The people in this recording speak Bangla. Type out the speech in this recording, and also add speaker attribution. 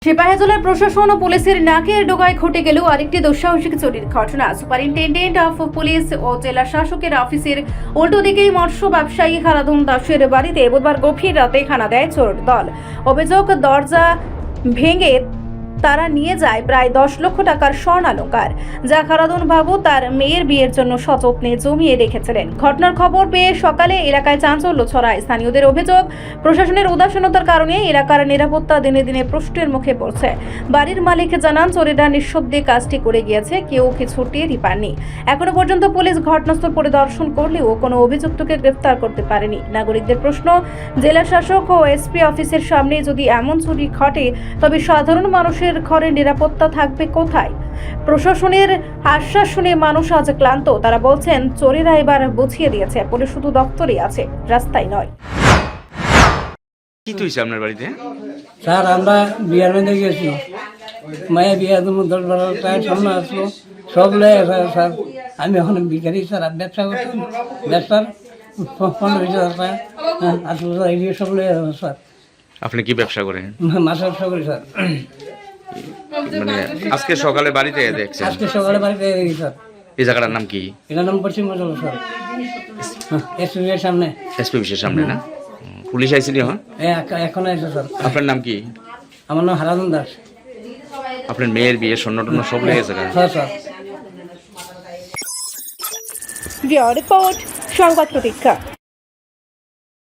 Speaker 1: সিপাহীজলার প্রশাসন ও পুলিশের নাকের ডোগায় ঘটে গেল আরেকটি দুঃসাহসিক চুরির ঘটনা। সুপারিনটেন্ডেন্ট অফ পুলিশ ও জেলা শাসকের অফিসের উল্টো দিকেই মৎস্য ব্যবসায়ী হারাধন দাসের বাড়িতে বুধবার গভীর রাতে হানা দেয় চোর দল। অভিযোগ, দরজা ভেঙে তারা নিয়ে যায় প্রায় 10 লক্ষ টাকার স্বর্ণালংকার, যা হারাধন বাবু তার মেয়ের বিয়ের জন্য সযত্নে জমিয়ে রেখেছিলেন। ঘটনার খবর পেয়ে সকালে এলাকায় চাঞ্চল্য ছড়ায়। স্থানীয়দের অভিযোগ, প্রশাসনের উদাসীনতার কারণে এলাকার নিরাপত্তা দিনে দিনে প্রশ্নের মুখে পড়ছে। বাড়ির মালিক জানান, চোরেরা নিঃশব্দে কাজটি করে গিয়েছে, কেউ কিছু টেরই পাননি। এখনো পর্যন্ত পুলিশ ঘটনাস্থল পরিদর্শন করলেও কোনো অভিযুক্তকে গ্রেফতার করতে পারেনি। নাগরিকদের প্রশ্ন, জেলা শাসক ও এসপি অফিসের সামনে যদি এমন চুরি ঘটে, তবে সাধারণ মানুষের ঘরের নিরাপত্তা থাকবে কোথায়? প্রশাসনের আশ্বাস শুনে মানুষ আজ ক্লান্ত। তারা বলছেন, চোরেরা এবার বুঝিয়ে দিয়েছে, পুলিশ শুধু দপ্তরে আছে, রাস্তায় নয়।
Speaker 2: কি হয়েছে আপনার বাড়িতে?
Speaker 3: স্যার, আমরা বিয়ার মধ্যে গেছি, মায়ের বিয়া তুমি 10-12 টাকার সামনে আসলো, সব লয়ে স্যার। আমি এখন বিকারি স্যার, ব্যবসা করতাম, ব্যবসার 15-20 হাজার টাকা আসলো স্যার, এগুলো সব লয়ে স্যার।
Speaker 2: আপনি কি ব্যবসা করেন?
Speaker 3: মাছের ব্যবসা করি স্যার।
Speaker 2: মানে আজকে সকালে বাড়িতে দেখছেন?
Speaker 3: আজকে সকালে বাড়িতে গেছি স্যার।
Speaker 2: এই জায়গাটার নাম কি?
Speaker 3: এটার নাম পশ্চিম মজল স্যার, এসপি এর সামনে।
Speaker 2: এসপি অফিসের সামনে না? পুলিশ আইসিনি? হ্যাঁ,
Speaker 3: এখন আছে স্যার।
Speaker 2: আপনার নাম কি?
Speaker 3: আমার নাম হারাধন দাস।
Speaker 2: আপনার মেয়ের বিয়ে স্বর্ণ টর্ণ সব লেগেছে?
Speaker 3: Sir sir.
Speaker 1: রিপোর্ট, সংবাদ প্রতীক্ষা।